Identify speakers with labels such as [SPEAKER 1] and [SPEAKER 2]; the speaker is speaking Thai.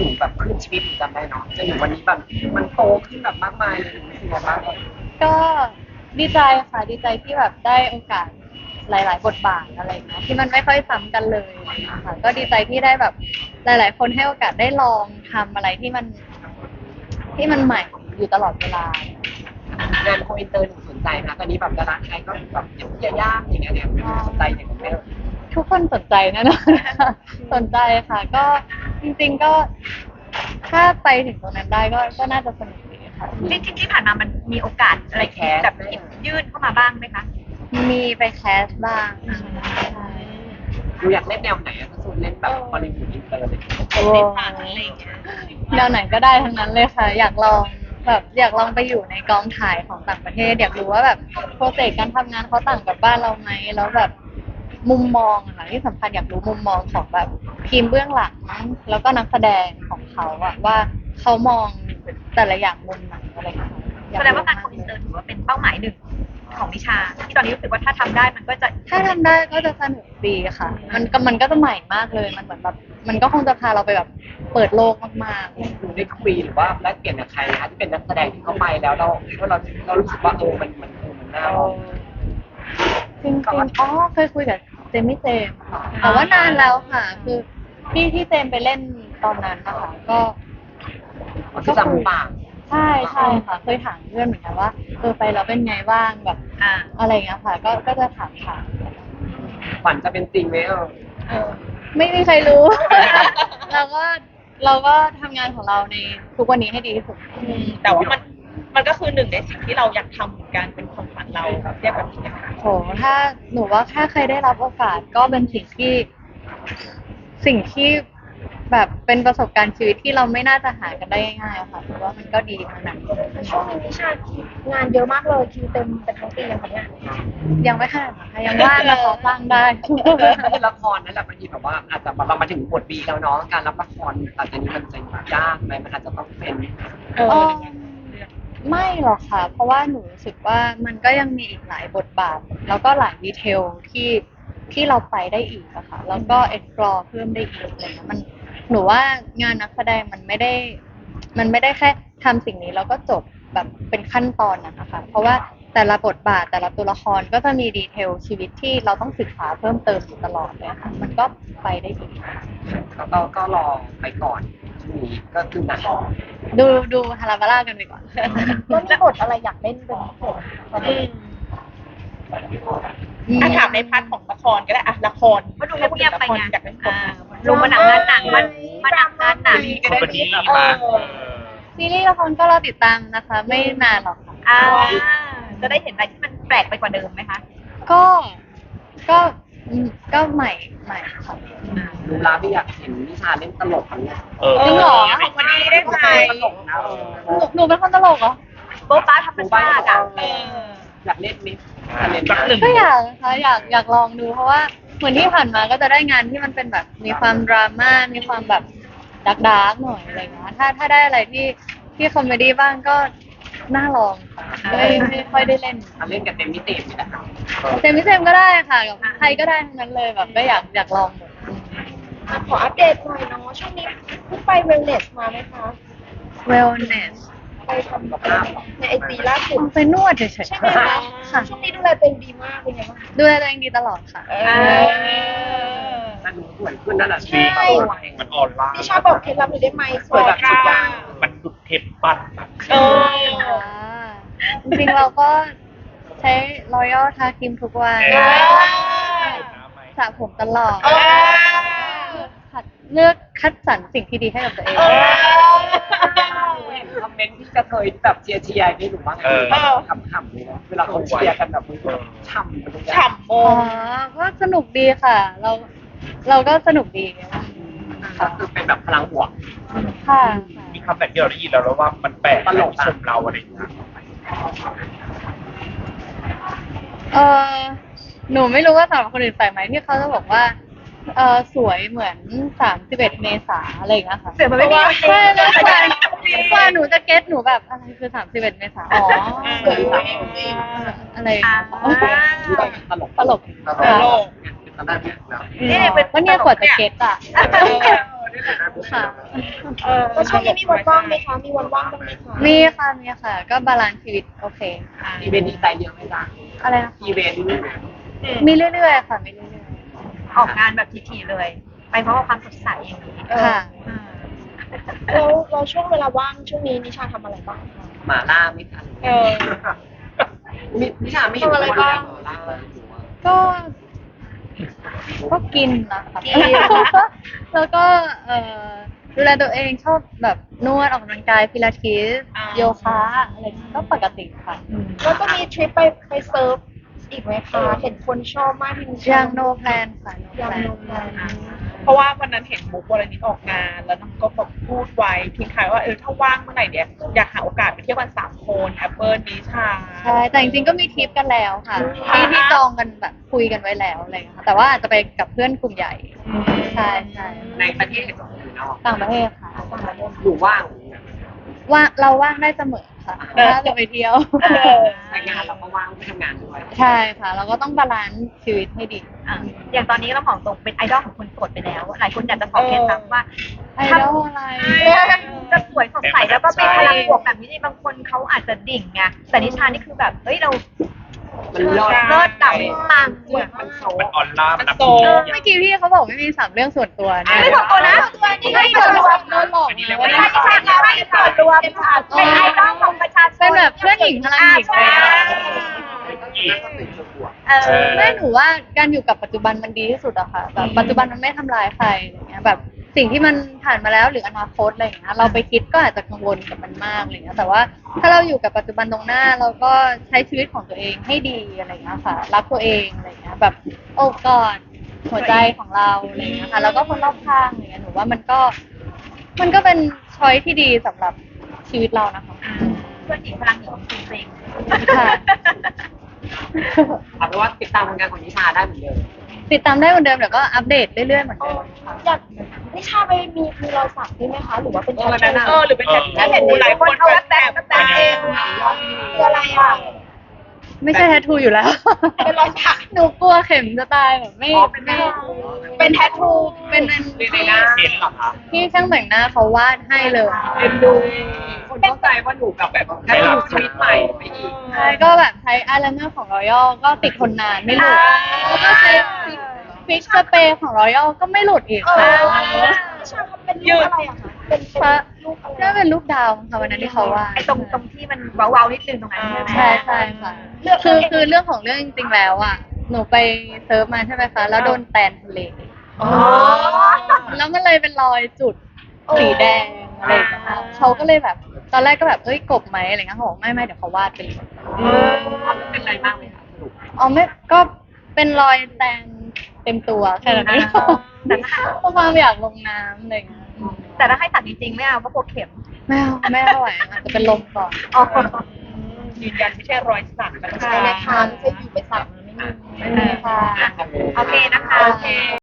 [SPEAKER 1] นูแบบขึ้นชีวิตหนูจำได้เนาะจนถึงวันนี้แบบมันโตขึ้นแบบมากมายเลยหนูรู้สึกยังไงบ้าง
[SPEAKER 2] ก็ดีใจค่ะดีใจที่แบบได้โอกาสหลายๆบทบาทอะไรเงี้ยที่มันไม่ค่อยซ้ำกันเลยอะไรเงี้ยค่ะก็ดีใจที่ได้แบบหลายๆคนให้โอกาสได้ลองทำอะไรที่มันใหม่อยู่ตลอดเวลา
[SPEAKER 1] งานโคอินเตอร์หนูสนใจนะตอนนี้แบบดาราไทยก็แบบอย่างพี่ยาย่าอย่างเงี้ยเนี่ยหนูสนใจอย่างนี้ไหมเอ่ย
[SPEAKER 2] ทุกคนสนใจแน่นอนค่ะสนใจค่ะก็จริงๆก็ถ้าไปถึงตรงนั้นได้ก็น่าจะสนุกดีค่ะ
[SPEAKER 3] จริงๆที่ผ่านมามันมีโอกาสอะไรแบบหยิบยื่นเข้ามาบ้างไหมคะ
[SPEAKER 2] มีไปแคสบ้างใช่
[SPEAKER 1] หนูอยากเล่นแนวไหนอะถ้าสมมติเล่นแบบฮอลลีวูดอินเตอร์เลย
[SPEAKER 2] โอ้
[SPEAKER 3] ในผ่านอะไรอย่างเงี้ย
[SPEAKER 2] แนวไหนก็ได้ทั้งนั้นเลยค่ะอยากลองแบบอยากลองไปอยู่ในกองถ่ายของต่างประเทศอยากรู้ว่าแบบโปรเซสการทำงานเขาต่างกับบ้านเราไหมแล้วแบบมุมมองอะค่ะที่สำคัญอยากรู้มุมมองของแบบทีมเบื้องหลังแล้วก็นักแสดงของเขาอะว่าเขามองแต่ละอย่างมุมไหนอะไรอย่างเงี้ยอย
[SPEAKER 3] แสดงว่าการโกอินเตอร์ถือว่าเป็นเป้าหมายหนึ่งของนิชาที่ตอนนี้รู้สึกว่าถ้าทำได้มันก็จะ
[SPEAKER 2] ถ้าทำได้ก็จะสนุกดีค่ะมันก็จะใหม่มากเลยมันเหมือนแบบมันก็คงจะพาเราไปแบบเปิดโลกมากๆ
[SPEAKER 1] หนูได้คุยหรือว่าแลกเปลี่ยนกับใครนะคะที่เป็นนักแสดงที่เขาไปแล้วเรารู้สึกว่ามันน่าลอง
[SPEAKER 2] จริงๆอ๋อเคยคุยกับเจมี่เจมส์ค่ะแต่ว่านานแล้วค่ะ คือที่เจมส์ไปเล่นตอนนั้นนะคะ
[SPEAKER 1] ที่จำหรือเปล่า
[SPEAKER 2] ใช่ค่ะ เคยถามเพื่อนเหมือนกันว่าไปแล้วเป็นไงบ้างแบบ
[SPEAKER 3] อ่า
[SPEAKER 2] อะไรอย่างเงี้ยค่ะ ก็จะถาม
[SPEAKER 1] ฝันจะเป็นจริงไหม
[SPEAKER 2] ไม่มีใครรู้ เราก็ทำงานของเราในทุกวันนี้ให้ดีที่สุด
[SPEAKER 4] แต่ว่ามันก็คือหนึ่งในสิ่งที่เราอยากทำเหมือนกันเป็นความฝันเราเรียกแบบนี้นะคะ
[SPEAKER 2] โหถ้าหนูว่าถ้าใครได้รับโอกาสก็เป็นสิ่งที่แบบเป็นประสบการณ์ชีวิตที่เราไม่น่าจะหากันได้ง่ายๆอะค่ะถือว่ามันก็ดีทั้งนั้น
[SPEAKER 5] ช่วงนี้นิชางานเยอะมากเลยคิวเต็มเป็นทั้งปียังคะเนี่ย
[SPEAKER 2] ยังไม่ขนาดนั้นค่ะยังว่างนะขอสร้างได้
[SPEAKER 1] คือละครนั่นแหละบางทีแบบว่าอาจจะเรามาถึงบทบีแล้วเนาะการรับละครต่างจากนี้มันจะยากไหมมันอาจจะต้องเป็น
[SPEAKER 2] เออไม่หรอกค่ะ เพราะว่าหนูรู้สึกว่ามันก็ยังมีอีกหลายบทบาท แล้วก็หลายดีเทลที่เราไปได้อีกอะค่ะ แล้วก็ explore เพิ่มได้อีกอะไรเงี้ยหนูว่างานนักแสดงมันไม่ได้แค่ทำสิ่งนี้แล้วก็จบแบบเป็นขั้นตอนนะคะ เพราะว่าแต่ละบทบาทแต่ละตัวละครก็จะมีดีเทลชีวิตที่เราต้องศึกษาเพิ่มเติมอยู่ตลอดเลยค่ะ มันก็ไปได้ดี
[SPEAKER 1] ก็รอไปก่อนช่วงนี้ก็คือหนัก
[SPEAKER 2] ดูฮาราบาร่ากันไปก่อน
[SPEAKER 5] ก็มีบทอะไรอยากเล่นเป็นพิเศษตอนนี้
[SPEAKER 4] ถามในพาร์ทของละครก็ได้อะละคร
[SPEAKER 3] ก็ดูเงียบๆไปไง
[SPEAKER 4] อยากเป็นคน
[SPEAKER 3] ลงมาหนังงานหนังมันหนังงานหนัง
[SPEAKER 4] ก็ได้ดีมา
[SPEAKER 2] ซีรีส์ละครก็รอติดตามนะคะ ไม่นานหรอกค่ะ
[SPEAKER 3] อ่าจะได้เห็นอะไรที่มันแปลกไปกว่าเดิมไหมคะ
[SPEAKER 2] ก็ก็ก็ใหม่ค่ะ
[SPEAKER 1] ดูแลพี่อยากเห็นนิชาเล่นตลกเนี่ย
[SPEAKER 2] จริงเหรอ
[SPEAKER 3] ของวันนี้ได้ไหม
[SPEAKER 1] ตลกนะ
[SPEAKER 2] หนูเป็นคนตลกเหรอ
[SPEAKER 3] โบ๊ะบ้าธรรมชาติอ่ะ
[SPEAKER 1] อยากเล่นมิสเล่น
[SPEAKER 4] สักหนึ่ง
[SPEAKER 2] ก็อยากนะคะอยากลองดูเพราะว่าเหมือนที่ผ่านมาก็จะได้งานที่มันเป็นแบบมีความดราม่ามีความแบบดาร์กๆหน่อยอะไรเงี้ยถ้าได้อะไรที่คอมเมดี้บ้างก็น่าลองค่ะไม่ค่อยได้เล่น
[SPEAKER 1] เล่นกับเต็มมิตินี่แหละ
[SPEAKER 2] เจมส์ก็ได้ค่ะกับใครก็ได้ทั้งนั้นเลยแบบก็อยากลองหมด
[SPEAKER 5] ขออัปเดตหน่อยเนาะช่วงนี้เพิ่งไปเวลเนสมาไหมคะ
[SPEAKER 2] wellness
[SPEAKER 5] ไปทำในไอจีล่าสุด
[SPEAKER 2] ไปนวดเฉยๆ
[SPEAKER 5] ใช่ไหมคะ
[SPEAKER 2] ค่ะ
[SPEAKER 5] ช่วงนี้ดูแลตัวเองดีมากเป็นไงบ้าง
[SPEAKER 2] ดูแลตัวเองดีตลอดค่ะ
[SPEAKER 1] แต่หนูสวยขึ้นนั่นแหละ
[SPEAKER 5] ใช่
[SPEAKER 4] มันออนไลน์
[SPEAKER 5] นิชาบอกเคล็ดลับหน่อยได้ไหมสวยแบบสุดยอด
[SPEAKER 4] มันดุดเทปปั้น
[SPEAKER 2] จริงๆเราก็ใช้ L'Oreal ทาครีมทุกวันสระผมตลอดเลือกคัดสรรสิ่งที่ดีให้กับตัวเอง
[SPEAKER 1] เห็นคอมเมนต์ที่จะเคยแบบเชียร์ให้หนูบ้างขำๆเลยนะเวลาเขาเชียร์กันแบบฉ่ำมัน
[SPEAKER 4] ฉ่ำโม
[SPEAKER 2] อ๋อก็สนุกดีค่ะ เราก็สนุกดี
[SPEAKER 1] ก็คือเป็นแบบพลังบวก
[SPEAKER 2] ค่ะ
[SPEAKER 4] มีคำแต่ที่เราได้ยินแล้วว่ามันแปลกตลกชมเราอะไรอย่างเงี้ย
[SPEAKER 2] เออหนูไม่รู้ว่าสำหรับคนอื่นใส่ไหมที่เขาจะบอกว่าสวยเหมือน31 เมษาอะไรอย่างเงี้ยค่ะ
[SPEAKER 3] เสือมันไม่มี
[SPEAKER 2] ใช่แล้วกว่าหนูจะเก็ตหนูแบบอะไรคือ31 เมษาอ๋ออะไรอย่างเงี้ย
[SPEAKER 1] ตลก
[SPEAKER 4] ตลก
[SPEAKER 1] ตอนแรกเนี่ย
[SPEAKER 3] นี่เป็น
[SPEAKER 2] ก็เนี่ยกว่าจะเก็ตอ่ะค่ะ
[SPEAKER 5] แล้วช่วงนี้มีวันว่างไหมคะ มีวันว่างบ้างไหมคะ
[SPEAKER 2] มีค่ะมีค่ะ ก็บาลานซ์ชีวิตโอเค
[SPEAKER 1] อีเวนต์ดีใจเยอะไหมจ๊ะ
[SPEAKER 2] อะไรนะคะ
[SPEAKER 1] อีเวนต์
[SPEAKER 2] มีเรื่อยๆค่ะมีเรื่อย
[SPEAKER 3] ออกงานแบบทีๆเลย ไปเพราะว่าความสดใสอย่างนี้
[SPEAKER 2] ๆค่ะ
[SPEAKER 5] แล้วช่วงเวลาว่างช่วงนี้นิชาทำอะไรบ้างคะ
[SPEAKER 1] หมาล่าไม่ทันนิชาไม่เห็น
[SPEAKER 5] ทำอะไรบ้าง
[SPEAKER 1] หมาล่าอยู่อะ
[SPEAKER 2] ก็ก็กินนะคะแล้วก็ดูแลตัวเองชอบแบบนวดออกกำลังกายพิลาทิสโยคะอะไรอย่างเงี้ยก็ปกติค่ะ
[SPEAKER 5] แล้วก็มีทริปไปเซิร์ฟอีกไหมคะ เห็นคนชอบมากที่นิชา
[SPEAKER 2] ยัง no plan ค่ะ no
[SPEAKER 5] ยัง
[SPEAKER 2] plan
[SPEAKER 5] โนแพลน
[SPEAKER 4] เพราะว่าวันนั้นเห็นมุกวรณิตออกงาน แล้วน้องก็แบบพูดไว้ทิ้งท้ายว่าถ้าว่างเมื่อไหร่เนี่ยอยากหาโอกาสไปเที่ยวกัน3 คนแอปเปิลนิชา
[SPEAKER 2] ใช่แต่จริงๆก็มีทริปกันแล้วค่ะที่จองกันแบบคุยกันไว้แล้วอะไรอย่างเงี้ยค่ะแต่ว่าอาจจะไปกับเพื่อนกลุ่มใหญ่ ใช่ใช่
[SPEAKER 1] ในประเทศหรือนอก
[SPEAKER 2] ต่างประเทศค่ะ
[SPEAKER 1] หรือว่าง
[SPEAKER 2] ว่าเราว่างได้เสมอค่ะถ้าจะไปเที่ยว
[SPEAKER 1] แต่งานเราก็ว่างไปทำงานด้วย
[SPEAKER 2] ใช่ค่ะ เราก็ต้องบาลานซ์ชีวิตให้ดี
[SPEAKER 3] อย่างตอนนี้เราของตรงเป็นไอดอลของคนโสดไปแล้ว หลายคนอยากจะขอเคล็ดลับว่า
[SPEAKER 2] ไอดอลอะไร
[SPEAKER 3] จะสวยสดใสแล้วก็เป็นพลังบวกแบบนี้นี่บางคนเขาอาจจะดิ่งไงแต่นิชานี่คือแบบเอ้ยเรา
[SPEAKER 1] มันเลิศ
[SPEAKER 3] เลิศดับปัง
[SPEAKER 1] มันโซ
[SPEAKER 6] มันออนไลน์
[SPEAKER 4] มัน
[SPEAKER 6] มัน
[SPEAKER 4] โซ
[SPEAKER 2] เมื่อกี้พี่เขาบอกไม่มี3 เรื่องส่วนตัวเนี่ย
[SPEAKER 3] ไม่ส่วนตัวนะ
[SPEAKER 5] นี่ให้ส่วนรวม
[SPEAKER 2] โดนหลอก
[SPEAKER 6] อันนี้
[SPEAKER 2] มา
[SPEAKER 6] เรียก
[SPEAKER 2] ว่า
[SPEAKER 6] ว่า
[SPEAKER 3] ไม่ใช่นิชาเราให้ส่วนรวมเป็นไอดอลของประชาชน
[SPEAKER 2] เป็นแบบเพื่อนหญิงพลังหญิง
[SPEAKER 3] ใช่
[SPEAKER 2] แม่หนูว่าการอยู่กับปัจจุบันมันดีที่สุดอะค่ะแบบปัจจุบันมันไม่ทำลายใครอะไรเงี้ยแบบสิ่งที่มันผ่านมาแล้วหรืออนาคตอะไรอย่างเงี้ยเราไปคิดก็อาจจะกังวลกับมันมากอะไรเงี้ยแต่ว่าถ้าเราอยู่กับปัจจุบันตรงหน้าเราก็ใช้ชีวิตของตัวเองให้ดีอะไรเงี้ยค่ะรักตัวเองอะไรเงี้ยแบบโอบกอดหัวใจของเราอะไรเงี้ยค่ะแล้วก็คนรอบข้างอะไรเงี้ยหนูว่ามันก็เป็นช้อยที่ดีสำหรับชีวิตเรานะคะ
[SPEAKER 3] เพื่อนหญิงพลังหญิงจริง
[SPEAKER 2] ค่ะ
[SPEAKER 1] เอาเป็นว่าติดตามผลงานของนิชาได้เหมือนเดิม
[SPEAKER 2] ติดตามได้เหมือนเดิมเดี๋ยวก็อัปเดตเรื่อยๆเหมือนเดิมค่ะ
[SPEAKER 5] อยากนิชาไปมีรอยสักด้วยไหมคะ หรือว่าเป็นแททู
[SPEAKER 4] หรือเป็นแททูหลายคนเขาแบบเอง
[SPEAKER 5] คืออะไรอ่ะ
[SPEAKER 2] ไม่ใช่แทททูอยู่แล้ว
[SPEAKER 5] เป็นรอยสัก
[SPEAKER 2] หนูกลัวเข็มจะตายแบบไม่
[SPEAKER 5] เป็นแททู
[SPEAKER 2] เป็นอัน
[SPEAKER 1] ในหน้า
[SPEAKER 6] เห็นเหรอคะ
[SPEAKER 2] ที่ช่างแต่งหน้าเขาวาดให้เลย
[SPEAKER 1] เป็นดูคนเข้าใจว่าหนูแบบแค่ดูชีวิตใหม่ไปอีก
[SPEAKER 2] ใช่ก็แบบใช้อายไลเนอร์ของรอยัลก็ติดทนนานไม่หลุดแล้วก็ใช้ฟิกสเปรย์ของรอยัลก็ไม่หลุดอีกค่ะ
[SPEAKER 5] นิชาทำเป็นรูปอะไรอะคะ เป็นรูปอะไร
[SPEAKER 2] น่าเป็นรูปดาวค่ะวันนั้นที่เขาวาด
[SPEAKER 3] ไอ้ตรงที่มันเว้าๆนิดนึงตรงนั้นใช่ไหม
[SPEAKER 2] ใช่ใช่ค่ะคือเรื่องของเรื่องจริงๆแล้วอ่ะหนูไปเซิร์ฟมาใช่ไหมคะแล้วโดนแตนทะเล
[SPEAKER 5] อ๋อ
[SPEAKER 2] แล้วมันเลยเป็นรอยจุดสีแดงอะไรอย่างเงี้ยเขาก็เลยแบบตอนแรกก็แบบเอ้ยกบไหมอะไรเงี้ยเขาบอกไม่เดี๋ยวเขาวาดไปเลย
[SPEAKER 1] เป็นไรบ้างไหมคะสรุป
[SPEAKER 2] อ๋อไม่ก็เป็นรอยแตนเต็มตัวแค่นั้นเองเพราะความอยากลงน้ำอะไรเงี้ย
[SPEAKER 3] แต่ถ้าให้ตัดจริงๆไม่เอาเพราะกลัวเข็ม
[SPEAKER 2] ไม่ไหวอาจจะเป็นลมก่อน
[SPEAKER 4] ยืนยันไม่ใช่รอยสักนะ
[SPEAKER 5] ใช่
[SPEAKER 4] คะ
[SPEAKER 5] นะคะไม่ใช่อยู่ไปสักนะไม่มี
[SPEAKER 2] ค่ะ
[SPEAKER 3] โอเคนะคะ